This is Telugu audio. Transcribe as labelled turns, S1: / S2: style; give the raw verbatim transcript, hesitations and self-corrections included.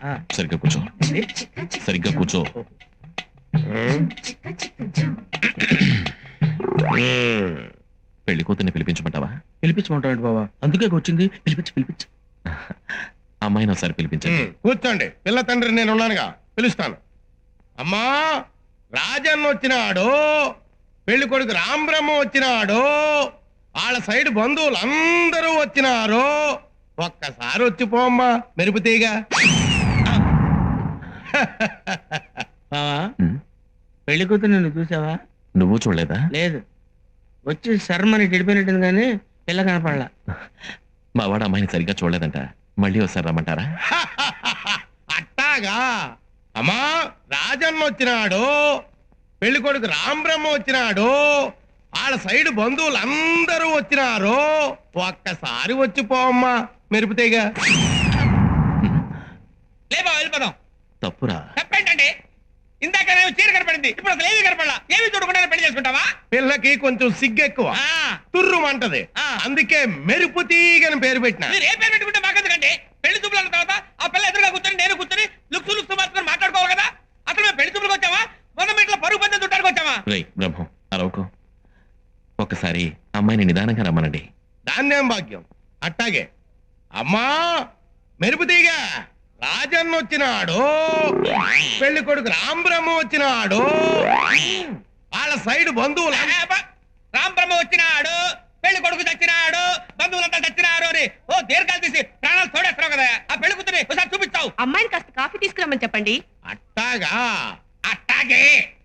S1: సరిగ్గా కూర్చో, సరిగ్గా కూర్చో. పెళ్లి కూతుర్ని పిలిపించమంటావా?
S2: పిలిపించమంటాడు బావా, అందుకే వచ్చింది. పిలిపించి పిలిపించి
S1: అమ్మాయిని ఒకసారి పిలిపించండి.
S3: కూర్చోండి, పిల్ల తండ్రి నేను ఉన్నానుగా, పిలుస్తాను. అమ్మా, రాజన్న వచ్చినాడు, పెళ్లి కొడుకు రాంబ్రహ్మ వచ్చినాడు, వాళ్ళ సైడ్ బంధువులు అందరూ వచ్చినారు. ఒక్కసారి వచ్చిపోమ్మా మెరుపుతీగా.
S2: బావా, పెళ్లి కూతురు నిన్ను చూసావా?
S1: నువ్వు చూడలేదా?
S2: లేదు, వచ్చి శర్మని గడిపోయినట్టుంది కానీ పిల్ల కనపడలా.
S1: మా వాడు అమ్మాయిని సరిగ్గా చూడలేదంట, మళ్ళీ ఒకసారి రమ్మంటారా?
S3: అట్టాగా. అమ్మా, రాజన్న వచ్చినాడు, పెళ్లి కొడుకు రాంబ్రహ్మ వచ్చినాడు, వాళ్ళ సైడ్ బంధువులు అందరూ వచ్చినారు. ఒక్కసారి వచ్చిపోమ్మా మెరుపుతీగా.
S4: లేబా వెళ్ళిపోదాం.
S1: తప్పురా.
S4: తప్పేంటండి? ఇందాక నేను చీర కనపడింది, ఇప్పుడు అసలు ఏమీ కనపడలా. ఏమీ చూడకుండా పెళ్లి చేసుకుంటావా?
S3: పిల్లకి కొంచెం సిగ్గెక్కువ, తుర్రుమంటది, అందుకే మెరుపు తీగని పేరు పెట్టిన.
S4: మీరు ఏ పేరు పెట్టుకుంటే మాకెందుకండి? పెళ్లి చూపులు అన్న తర్వాత ఆ పిల్ల ఎదురుగా కూర్చొని నేను కూర్చొని లుక్స్ లుక్స్ మార్చుకొని మాట్లాడుకోవాలి కదా. అసలు మేము పెళ్లి చూపులకు వచ్చావా, మొన్న ఇంట్లో పరుగు పందెం చుట్టానికి వచ్చావా?
S1: రై బ్రహ్మం, అరవకు. ఒక్కసారి అమ్మాయిని నిదానంగా రమ్మనండి.
S3: దాన్నేం భాగ్యం. అట్టాగే. అమ్మా, మెరుపు తీగ, రాజన్న వచ్చినాడు, పెళ్లి కొడుకు రాంబ్రహ్మ వచ్చినాడు, వాళ్ళ సైడ్ బంధువులు
S4: రాంబ్రహ్మ వచ్చినాడు, పెళ్లి కొడుకు చచ్చినాడు, బంధువులంతా చచ్చినారు అని ఓ దీర్ఘాలు తీసి ప్రాణాలు తోడేస్తున్నావు కదా. ఆ పెళ్లి కూతురి ఒకసారి చూపిస్తావు.
S5: అమ్మాయిని కాస్త కాఫీ తీసుకురమ్మని చెప్పండి.
S3: అట్టాగా.
S4: అట్టాగే.